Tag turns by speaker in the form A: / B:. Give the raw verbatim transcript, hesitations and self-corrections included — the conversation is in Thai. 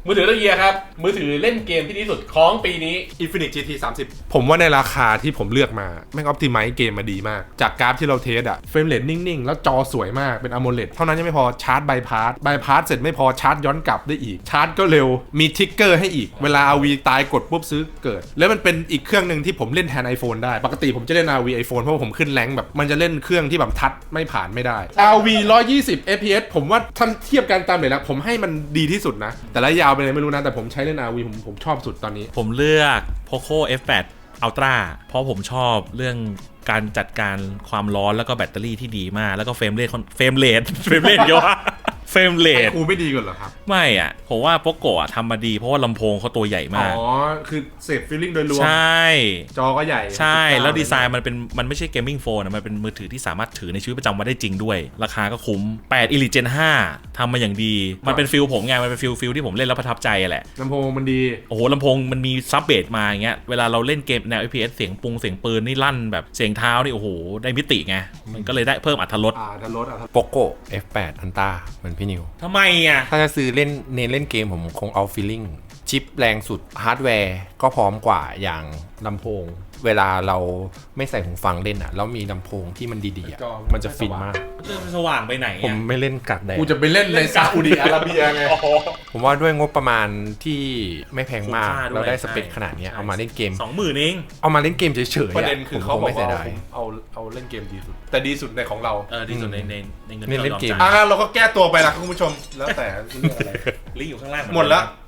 A: มือถือละเอียดครับมือถือเล่นเกมที่ดีสุดของปีนี้
B: Infinix จี ที สามสิบผมว่าในราคาที่ผมเลือกมาแม่งออปติไมซ์เกมมาดีมากจากกราฟที่เราเทสอะเฟรมเรทนิ่งๆแล้วจอสวยมากเป็น AMOLED เท่านั้นยังไม่พอชาร์จไบพาสไบพาสเสร็จไม่พอชาร์จย้อนกลับได้อีกชาร์จก็เร็วมีทริกเกอร์ให้อีกเวลา อาร์ วี ตายกดปุ๊บซื้อเกิดแล้วมันเป็นอีกเครื่องนึงที่ผมเล่นแทน iPhone ได้ปกติผมจะเล่น อาร์ วี iPhone เพราะว่าผมขึ้นแรงแบบมันจะเล่นเครื่องที่แบบทัชไม่ผ่านไม่ได้ อาร์ วี หนึ่งร้อยยี่สิบ เอฟ พี เอส ผมว่าท่านเทียบกันตามเลยนะผมให้มันดีที่สุดนะแต่ละยาวไปเลยไม่รู้นะแต่ผมใช้เล่น อาร์ วี ผมผมชอบสุดตอนนี้
C: ผมเลือก Poco เอฟ แปด Ultra เพราะผมชอบเรื่องการจัดการความร้อนแล้วก็แบตเตอรี่ที่ดีมากแล้วก็เฟรมเรทเฟรมเรทเฟรมเรทเยอะเฟรมเรท
B: คูไม่ดีกว่าเหรอครับ
C: ไม่อ่ะผมว่าโปโกะทำมาดีเพราะว่าลำโพงเขาตัวใหญ่มาก
B: อ๋อคือเสพฟีลลิ่งโดยรวม
C: ใช่
B: จอก็ใหญ่
C: ใช่แล้วดีไซน์มันเป็นมันไม่ใช่เกมมิ่งโฟนมันเป็นมือถือที่สามารถถือในชีวิตประจำวันได้จริงด้วยราคาก็คุ้มแปด Elite Gen ห้าทำมาอย่างดีมันเป็นฟิลผมไงมันเป็นฟิลฟิลที่ผมเล่นแล้วประทับใจแหละ
B: ลำโพงมันดี
C: โอ้โหลำโพงมันมีซับเบสมาอย่างเงี้ยเวลาเราเล่นเกมแนว เอฟ พี เอส เสียงปุงเสียงปืนนี่ลั่นแบบเสียงเท้านี่โอ้โหได้มิติไงมันก็เลยได้เพิ่มอรรถรส
B: อ่าอรรถรสอ่ะ
D: Poco เอฟ แปด Ultra เหมือนพี่นิว
C: ทำไมอ่ะ
D: ถ้าจะซื้อเล่นเน้นเล่นเกมผมคงเอาฟีลลิ่งชิปแรงสุดฮาร์ดแวร์ก็พร้อมกว่าอย่างลำโพงเวลาเราไม่ใส่หูฟังเล่นอ่ะแล้วมีลำโพงที่มันดีๆอ่ะมันจะฟินมาก
C: เรื่องสว่างไปไหน
D: ผมไม่เล่นกัดแดด
B: กูจะไปเล่นในซาอุดิอาระเบียไง
D: ผมว่าด้วยงบประมาณที่ไม่แพงมากเราได้สเปคขนาดนี้เอามาเล่นเกม
C: สองหมื่นเอง
D: เอามาเล่นเกมเฉยๆ
B: ประเด็นคือเขาบอกว่า
D: เอา
B: เอาเอาเล่นเกมดีสุดแต่ดีสุดในของเรา
C: เออดีสุดในในในเงิน
D: เล่นเกม
B: อ่าเราก็แก้ตัวไปละคุณผู้ชมแล้วแต่เรื่องอะไร
C: ลิงก์อยู่ข้างล่าง
B: หมดแล้ว